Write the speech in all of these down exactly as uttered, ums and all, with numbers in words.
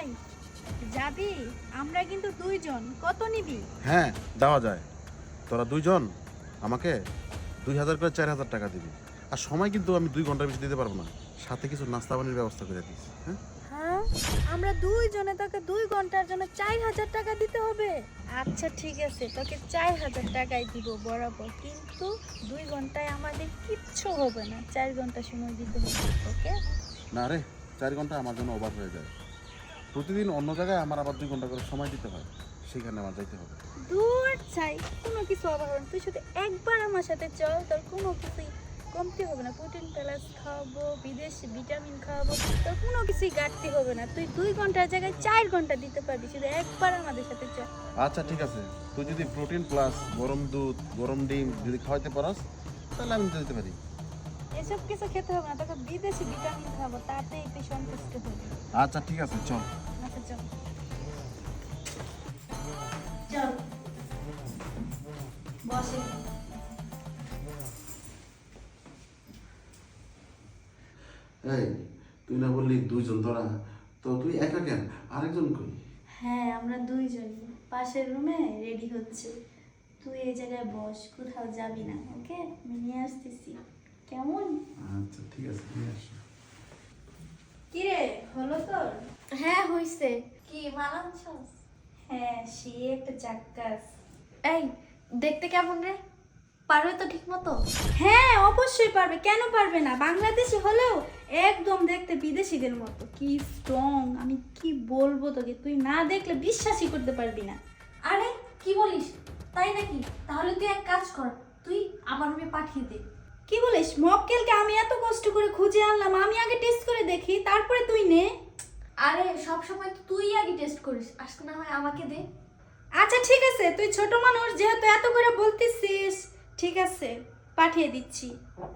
যাবি? আমরা কিন্তু দুইজন, কত নিবি? হ্যাঁ দেওয়া যায়। তোরা দুইজন আমাকে দুই হাজার করে চার হাজার টাকা দিবি। আর সময় কিন্তু আমি দুই ঘন্টার বেশি দিতে পারবো না, সাথে কিছু নাস্তা পানির ব্যবস্থা করে দিস। হ্যাঁ হ্যাঁ, আমরা দুইজনে তোকে দুই ঘন্টার জন্য চার হাজার টাকা দিতে হবে। আচ্ছা ঠিক আছে, তোকে চার হাজার টাকাই দিব বরাবর, কিন্তু দুই ঘন্টায় আমাদের কিচ্ছু হবে না, চার ঘন্টা সময় দিতে হবে। ওকে? না রে, চার ঘন্টা আমার জন্য ওভার হয়ে যায়। প্রতিদিন অন্য জায়গায় আমার আবার দুই ঘন্টা করে সময় দিতে হয়, সেখানে আমার যাইতে হবে। দূর চাই, কোনো কিছু অভাব হবে না। তুই শুধু একবার আমার সাথে চল, তোর কোনো কিছুই কমতি হবে না। প্রোটিন প্লাস খাওয়াবো, বিদেশি ভিটামিন খাওয়াবো, তোর কোনো কিছুই ঘাটতি হবে না। তুই দুই ঘন্টার জায়গায় চার ঘন্টা দিতে পারবি, শুধু একবার আমাদের সাথে চল। আচ্ছা ঠিক আছে, তুই যদি প্রোটিন প্লাস গরম দুধ গরম ডিম যদি খাওয়াইতে পারস তাহলে আমি দিতে পারি। এসব কিছু খেতে হবে না, তোকে বিদেশি ভিটামিন খাবো, তাতেই তুই সন্তুষ্ট হবি। আচ্ছা ঠিক আছে, চল। আচ্ছা চল চল বসে। এই তুই না বললি দুইজন, তোরা তো তুই একা কেন? আরেকজন কই? হ্যাঁ, আমরা দুইজন পাশের রুমে রেডি হচ্ছে। তুই এই জায়গায় বস, কোথাও যাবি না। ওকে, আমি নিয়ে আসতেছি। কেমন? আচ্ছা ঠিক আছে, নিয়ে আসো। কি রে, হলো তোর? হ্যাঁ হইছে। কি মানাচ্ছস? হ্যাঁ, সে একটা চাক্কাস। এই দেখতে কেমন রে? পারবে তো ঠিক মতো? হ্যাঁ অবশ্যই পারবে, কেন পারবে না? বাংলাদেশি হলেও একদম দেখতে বিদেশিদের মতো। কি স্ট্রং, আমি কি বলবো তোকে, তুই না দেখলে বিশ্বাসই করতে পারবি না। আরে কি বলিস, তাই নাকি? তাহলে তুই এক কাজ কর, তুই আমার রুমে পাঠিয়ে দে। কি বলিস? মক্কেলকে আমি এত কষ্ট করে খুঁজে আনলাম, আমি আগে টেস্ট করে দেখি, তারপরে তুই নে। আরে সব সময় তো তুই আগে টেস্ট করিস, আজকে না হয় আমাকে দে। আচ্ছা ঠিক আছে, তুই ছোট মানুষ যেহেতু এত করে বলতেছিস, ঠিক আছে পাঠিয়ে দিচ্ছি।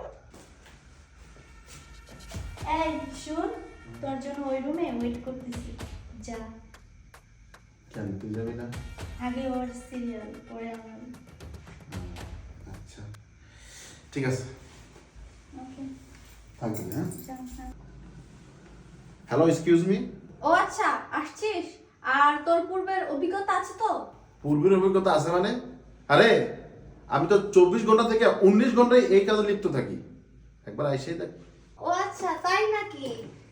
এই শুন, তোর জন্য ওই রুমে ওয়েট করতেছি, যা। কেন তুই যাবি না? আগে ওর সিরিয়াল, পরে আমার। আচ্ছা ঠিক আছে, ওকে থাকবি। হ্যাঁ, যা। Hello, excuse me. ও আচ্ছা, আসছিস? আর তোর পূর্বের অভিজ্ঞতা আছে তো? পূর্বের অভিজ্ঞতা আছে মানে? আরে আমি তো চব্বিশ ঘন্টা থেকে উনিশ ঘন্টায় এই কাজে লিপ্ত থাকি, একবার আইসেই দেখ। ও আচ্ছা, তাই নাকি?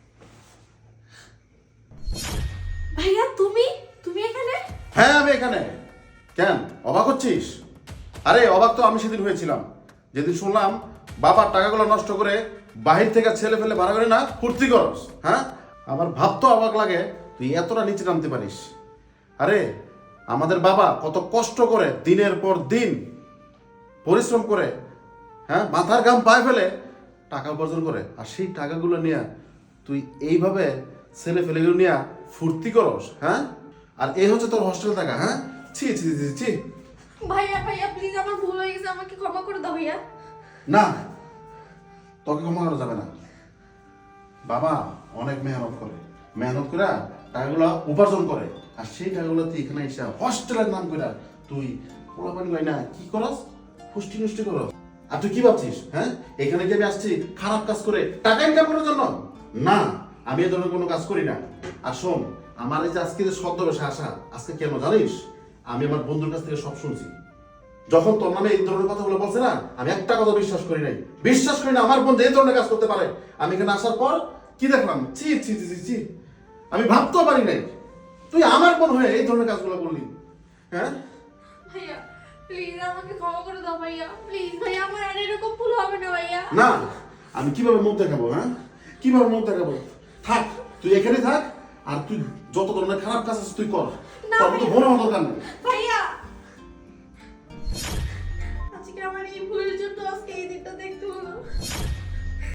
ভাইয়া তুমি তুমি এখানে? হ্যাঁ আমি এখানে। কেন অবাক হচ্ছিস? আরে অবাক তো আমি সেদিন হয়েছিলাম, যেদিন শুনলাম বাবার টাকাগুলো নষ্ট করে বাহির থেকে ছেলে ফেলে ভাড়া করে না ফুর্তি করস। হ্যাঁ, আমার ভাবতো অবাক লাগে তুই এতটা নিচে নামতে পারিস। আরে আমাদের বাবা কত কষ্ট করে দিনের পর দিন পরিশ্রম করে, হ্যাঁ, মাথার ঘাম পায়ে ফেলে টাকা উপার্জন করে, আর সেই টাকাগুলো নিয়ে তুই এইভাবে ছেলে ফেলেগুলো নিয়ে ফুর্তি করস। হ্যাঁ, আর এই হচ্ছে তোর হোস্টেল টাকা। হ্যাঁ, ছি ছি ছি ছি। ভাইয়া ভাইয়া প্লিজ, আমার ভুল হয়ে গেছে, আমাকে ক্ষমা করে দাও ভাইয়া। না, তোকে ক্ষমা করা যাবে না। বাবা অনেক মেহনত করে, মেহনত করে টাকাগুলো উপার্জন করে, আর সেই টাকাগুলো তুই এখানে এসে হোস্টেলের নাম করে তুই পোলাপানি হয় না কি করস, পুষ্টি নষ্টি করস। আর তুই কি ভাবছিস? হ্যাঁ, এখানে যে আমি আসছি খারাপ কাজ করে টাকা ইনকাম করার জন্য? না, আমি এ ধরনের কোনো কাজ করি না। আর শোন, আমার এই যে আজকে যে ছদ্মবেশে আসা, আজকে কেন জানিস? আমি আমার বন্ধুর কাছ থেকে সব শুনছি। যখন তোর নামে এই ধরনের কথাগুলো বলছে না, আমি একটা কথা বিশ্বাস করি নাই, বিশ্বাস করি না আমার বন্ধু এই ধরনের কাজ করতে পারে। আমি এখানে আসার পর কি দেখলাম, ছি ছি ছি ছি, আমি ভাবতেও পারি নাই তুই আমার বোন হয়ে এই ধরনের কাজগুলো করলি। হ্যাঁ ভাইয়া প্লিজ আমাকে ক্ষমা করে দাও ভাইয়া, প্লিজ ভাইয়া, আমার আর এরকম ভুল হবে না ভাইয়া। না, আমি কিভাবে মুখ দেখাবো? হ্যাঁ, কিভাবে মুখ দেখাবো? থাক, তুই এখানে থাক, আর তুই যত ধরনের খারাপ কাজ আছে তুই কর, তোর মতো বোন হওয়ার দরকার নেই। ভাইয়া আজকে আমার এই ভুলের জন্য আজকে এই দিনটা দেখতে হলো।